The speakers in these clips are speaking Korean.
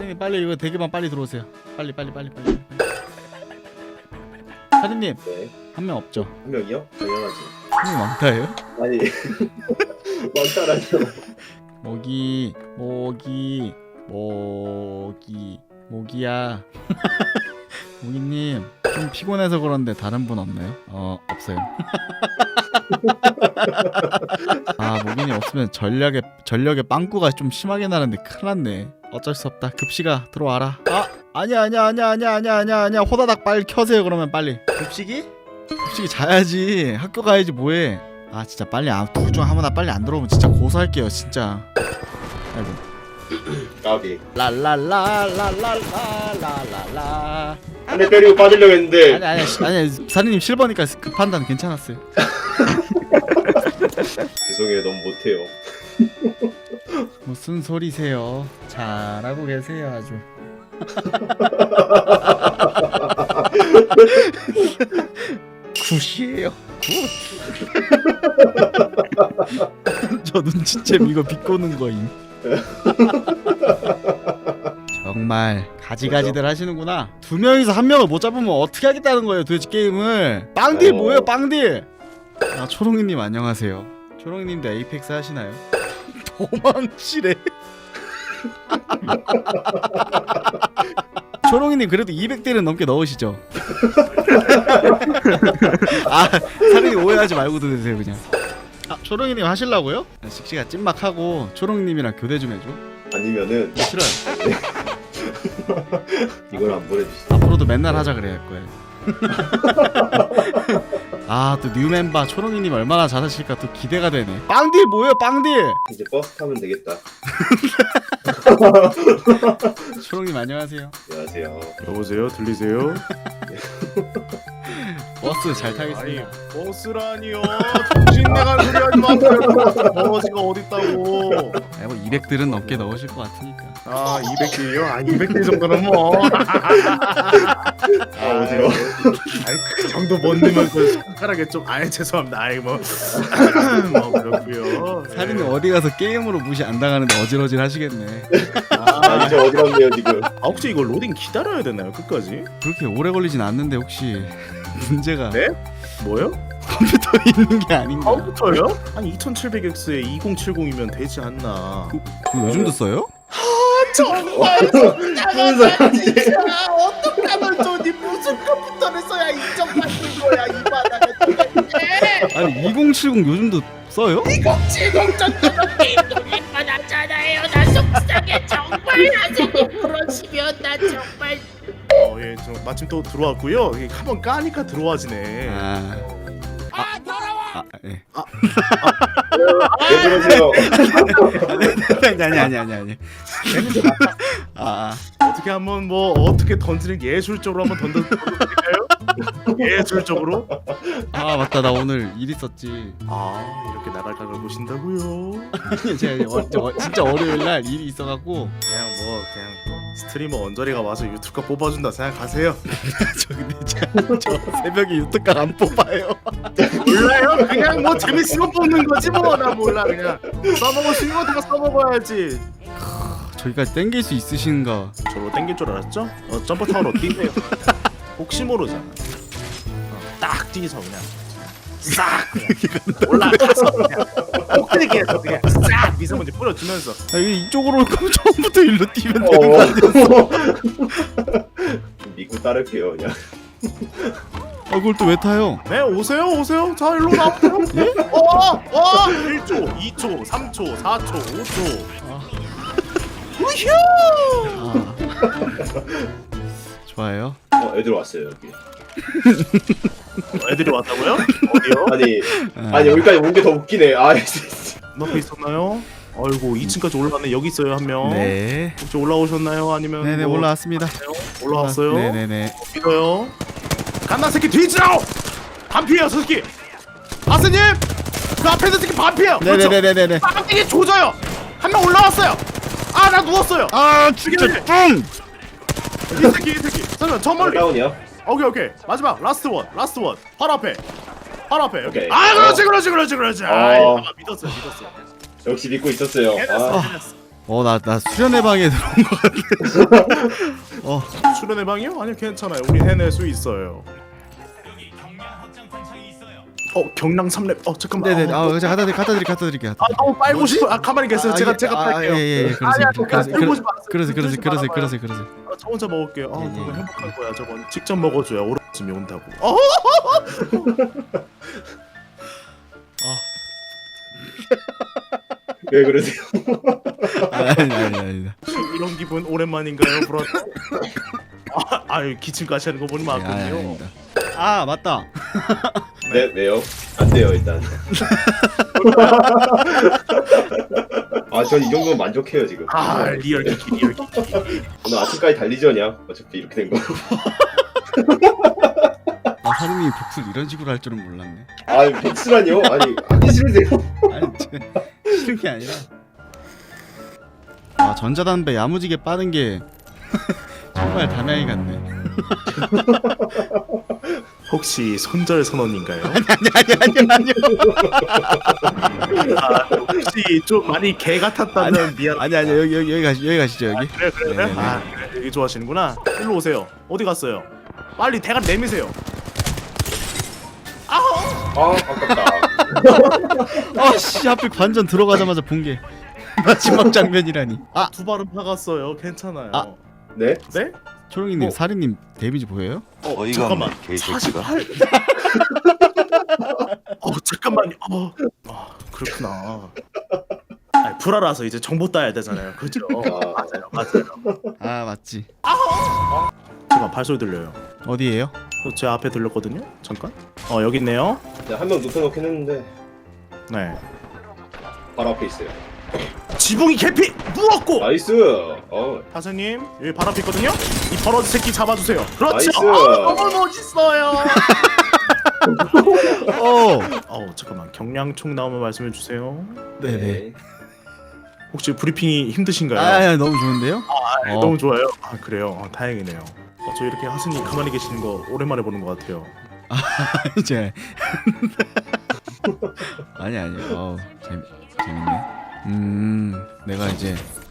사장님 빨리 이거 대기만 빨리 들어오세요. 빨리. 사장님 네. 한 명 없죠? 한 명이요? 당연하지. 한 명 많다예요? 아니 많다라죠. 모기야. 모기님 좀 피곤해서 그런데 다른 분 없나요? 없어요. 아 모기님 없으면 전력의 빵꾸가 좀 심하게 나는데 큰일 났네. 어쩔 수 없다. 급식아 들어와라. 아니야. 호다닥 빨리 켜세요. 그러면 빨리. 급식이 자야지. 학교 가야지 뭐해. 아 진짜 빨리 둘 중 아무나 빨리 안 들어오면 진짜 고소할게요 진짜. 아이고. 까비. 랄랄랄랄랄랄랄랄라. 한 대 때리고 빠지려고 했는데. 아니 사장님 실버니까 그 판단 괜찮았어요. 죄송해요, 너무 못해요. 무슨 소리세요? 잘하고 계세요 아주. 굿이에요. 굿. 저 눈치챔 이거 비꼬는 거임. 정말 가지가지들 하시는구나. 두 명이서 한 명을 못 잡으면 어떻게 하겠다는 거예요 도대체 게임을. 빵딜 뭐예요 빵딜. 아 초롱이님 안녕하세요. 초롱이님도 에이펙스 하시나요? 도망치래. 초롱이님 그래도 200딜은 넘게 넣으시죠? 아 사장님 오해하지 말고 들으세요 그냥. 초롱이님 하실라고요? 씩씩아 찐막하고 초롱이님이랑 교대 좀 해줘. 아니면은 싫어요. 이걸 안 보내주시죠. 앞으로도 맨날 하자 그래야 할 거예요. 아 또 뉴 멤버 초롱이님 얼마나 잘하실까 또 기대가 되네. 빵딜 뭐예요 빵딜. 이제 버스 타면 되겠다. 초롱님 안녕하세요. 안녕하세요. 여보세요? 들리세요? 버스 잘 타겠습니다. 버스라니요. 정신 나간 소리 하지 마세요. 버스가 어딨다고. 뭐 200딜은 넘게 넣으실 것 같으니까. 아 200D요? 아 200D 정도는 뭐. 어지러워. 아이 그 정도 못 넣으면 그 손가락에 좀 아예 죄송합니다. 아이 뭐 그렇고요. 사리는 어디 가서 게임으로 무시 안 당하는데 어질어질 하시겠네. 아 이제 어지럽네요 지금. 아 혹시 이거 로딩 기다려야 되나요? 끝까지? 그렇게 오래 걸리진 않는데 혹시 문제가 네? 뭐요? 컴퓨터에 있는 게 아닌가? 컴퓨터요? 아니 2700X에 2070이면 되지 않나. 그거 요즘도 써요? 정말 무슨 사람이지? 어떡하면 좋니? 무슨 컴퓨터를 써야 인정받는 거야 이 바닥에 도대체. 아니 2070 요즘도 써요? 2070 정도면 게임 돌릴 뻔하잖아요. 나 속상해 정말. 선생님 그러시면 나 정말. 예, 저 마침 또 들어왔고요. 이게 한번 까니까 들어와지네. 예. 왜 그러세요? 아니. 어떻게 한번 뭐 어떻게 던지는 예술적으로 한번 던져드릴까요? 예술적으로? 아 맞다 나 오늘 일 있었지. 아 이렇게 나갈 각을 보신다고요? 제가 진짜 월요일 날 일이 있어갖고. 그냥 스트리머 언저리가 와서 유튜브가 뽑아준다 생각하세요. 저 근데 저 새벽에 유튜브가 안 뽑아요. 몰라요? 그냥 뭐 재밌으면 뽑는 거지 뭐. 나 몰라 그냥 써먹을 수 있는 거 다 써먹어야지. 저기까지 땡길 수 있으신가? 저로 땡길 줄 알았죠? 점프 타워로 뛰세요. 혹시 모르잖아. 딱 뛰서 그냥 싹 올라가서 그냥 꼭대기에서 그냥 싹 미세먼지 뿌려주면서. 이쪽으로 올 거면 처음부터 일로 뛰면 되는 거 아니야? 믿고 따를게요 그냥. 그걸 또 왜 타요? 네 오세요. 자 일로 나오세요. 1초 2초 3초 4초 5초. 우휴. 좋아요. 애들 왔어요 여기. 애들이 왔다고요? 어디요? 아니 여기까지 온 게 더 웃기네. 옆에 있었나요? 아이고 2층까지 올라갔네. 여기 있어요 한 명. 네. 혹시 올라오셨나요? 아니면 네네 뭐 올라왔습니다. 올라왔어요? 네네네. 믿어요. 간다 새끼 뒤지라오. 반피해요 저 새끼. 아스님 그 앞에 있는 새끼 반피해요. 네네네네네. 깜짝이 조져요. 한 명 올라왔어요. 아 나 누웠어요. 아 진짜 뿡. 이 새끼 잠깐만 저 멀리. 다운이야? 오케이 마지막 라스트 원 바로 앞에 오케이. 아 그렇지. 아 믿었어요. 역시 믿고 있었어요. 해냈어. 나 수련회 방에 들어온 거 같아. 수련회 방이요? 아니요 괜찮아요. 우리 해낼 수 있어요. 경량 3렙. 잠깐만. 네네. 제가 갖다 드릴게요. 너무 빨고 싶어. 가만히 계세요. 제가 빨게요. 예. 그러세요. 저 혼자 먹을게요. 예, 예. 저거 행복할 거야. 저건 직접 먹어줘야 오락쯤이 온다고. 왜 그러세요? 아니. 이런 기분 오랜만인가요, 브라? 기침까지 하는 거 보니 맞군요. 아닙니다. 아 맞다. 네, 왜요? 안 돼요 일단. 전 이 정도면 만족해요 지금. 리얼 기기. 오늘 아침까지 달리전이야. 어차피 이렇게 된 거. 사장님이 복수를 이런 식으로 할 줄은 몰랐네. 백수라니요? 하기 싫으세요? 아니 싫은 게 아니라 전자담배 야무지게 빠는 게 정말 담양이 같네. 혹시 손절 선언인가요? 아니요. 혹시 좀 많이 개 같았다면 미안. 아니요. 여기 가시죠 여기. 그래. 네네네. 그래. 여기 좋아하시는구나. 일로 오세요. 어디 갔어요? 빨리 대가리 내미세요. 아깝다. 하필 관전 들어가자마자 본 게 마지막 장면이라니. 두 발은 박았어요. 괜찮아요. 네? 네? 초롱이님 사리님 데미지 보여요? 잠깐만. 48. 잠깐만요. 그렇구나. 불알아서 이제 정보 따야 되잖아요. 그죠? 맞아요. 맞지. 잠깐 발소리 들려요. 어디에요? 제 앞에 들렸거든요. 잠깐. 여기 있네요. 한 명 눕혀놓긴 했는데 네. 바로 앞에 있어요. 지붕이 개피 누웠고. 나이스. 사장님 여기 바로 앞에 있거든요. 이 버러지 새끼 잡아주세요. 그렇죠. 나이스. 너무 멋있어요. 잠깐만 경량총 나오면 말씀해 주세요. 네네. 혹시 브리핑이 힘드신가요? 너무 좋은데요? 너무 좋아요. 그래요. 다행이네요. 저 이렇게 하스님 가만히 계시는 거 오랜만에 보는 것 같아요. 이제 아니요. 재밌네. 내가 이제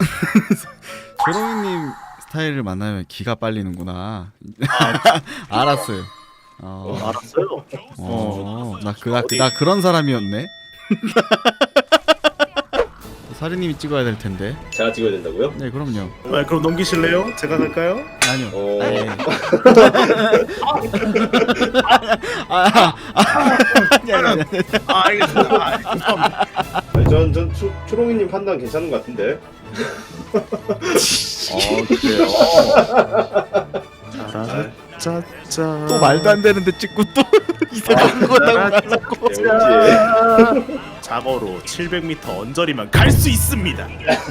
초롱이님 스타일을 만나면 기가 빨리는구나. 알았어요. 알았어요. 나 그런 사람이었네. 사리님이 찍어야 될 텐데. 제가 찍어야 된다고요? 네, 그럼요. 그럼 넘기실래요? 제가 갈까요? 아니요. 네. 아니. 알겠습니다. 전 초롱이님 판단 괜찮은 것 같은데. 그래요. 짜짜. 또 말도 안 되는데 찍고 또 이상한 거 나고. 자거로 700m 언저리만 갈 수 있습니다.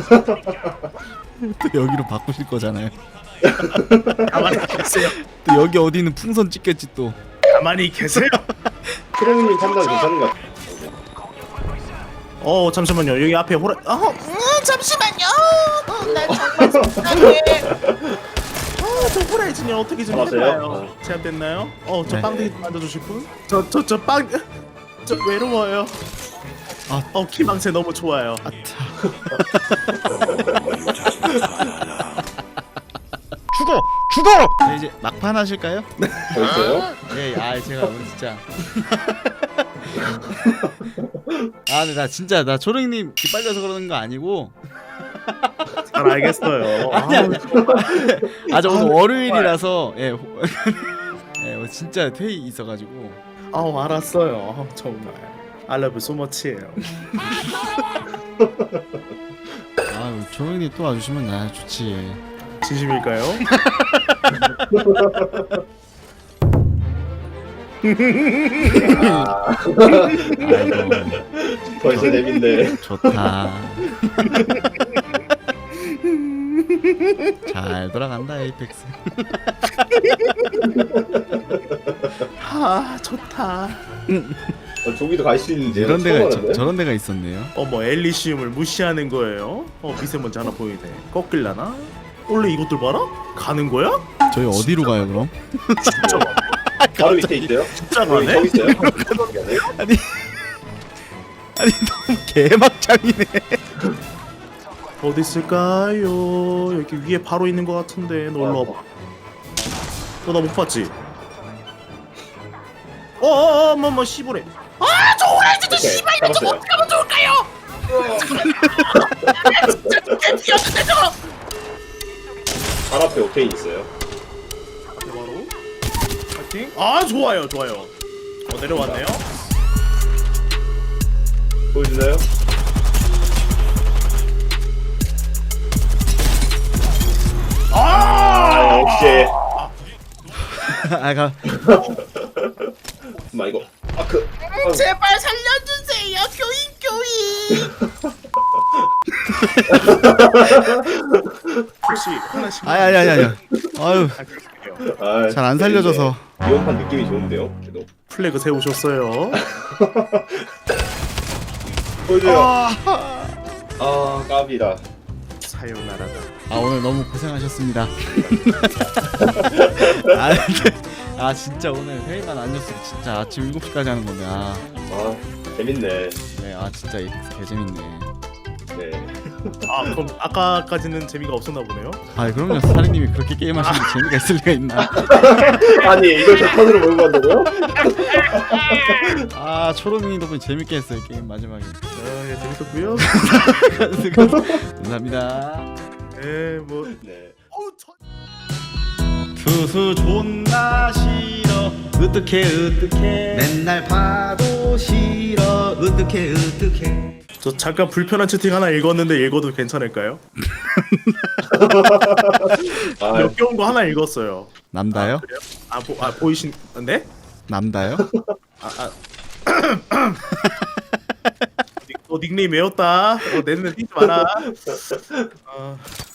또 여기로 바꾸실 거잖아요. 가만히 계세요. 또 여기 어디는 풍선 찍겠지 또. 가만히 계세요. 초롱이님 판단 괜찮은 것 같아. 잠시만요. 여기 앞에 호라. 잠시만요. 나 정말 속상해. 저 호라이즈님 어떻게 좀 잡았어요? 해봐요. 제압됐나요? 저 네. 빵대기 좀 만져주실 분? 저 외로워요. 키망새 너무 좋아요. 죽어! 네, 이제 막판 하실까요? 벌써요? 네, 제가 오늘 진짜. 근데 나 진짜 초롱이님 기빨려서 그러는 거 아니고. 잘 알겠어요. 저 오늘 월요일이라서 진짜 회의 있어가지고. 알았어요. 정말. I love you so much예요. 초롱이님 또 와주시면 나 좋지. 진심일까요? 벌써 재밌네. 좋다. 잘 돌아간다 에이펙스. 좋다. 저기도 갈 수 있는데. 이런 데가 저런 데가 있었네요. 엘리시움을 무시하는 거예요? 미세먼지 하나 보이네. 꺾일라나? 원래 이것들 봐라? 가는 거야? 저희 어디로 가요 그럼? 진짜 가네? 바로 밑에 있어요? 진짜 저기 가네? 있어요? 아니 너무 개막장이네. 어디 있을까요? 여기 위에 바로 있는 것 같은데. 너 올라 와봐. 너 나 못 봤지? 뭐 씨부래. 저 오렌지도 오케이, 씨발 이거 좀 잡았어요. 어떻게 하면 좋을까요? 나 진짜 개피였는데 저거. 발 앞에 오케인 있어요. 바로. 파이팅. 아 좋아요. 내려왔네요. 보여주나요? 아 역시. 아가 엄마 이거 아크. 제발 살려주세요 교인. 혹시 하나씩. 아니 아유 아, 잘 안 살려줘서. 이번판 느낌이 좋은데요. 그래도 플래그 세우셨어요. 보여줘요. 아, 아 까비다. 사요나라다. 오늘 너무 고생하셨습니다. 아 진짜 오늘 회의만 아니었으면 진짜 아침 7시까지 하는 건데 아 재밌네. 네, 진짜 이펙스 개재밌네. 네. 아 그럼 아까까지는 재미가 없었나 보네요. 그럼요. 사장님이 그렇게 게임하시는데 재미가 있을 리가 있나. 아니 이걸 제 턴으로 몰고 간다고요? 초롱이 덕분에 재밌게 했어요 게임 마지막에. 예, 재밌었고요. 감사합니다. 네, 뭐 네. 투수 존나 싫어 으뜩해 맨날 봐도 싫어 으뜩해 저 잠깐 불편한 채팅 하나 읽었는데 읽어도 괜찮을까요? 아 역겨운 거 하나 읽었어요. 남다요? 보이신 네? 남다요? 너 닉네임 외웠다. 내 눈에 띄지 마라.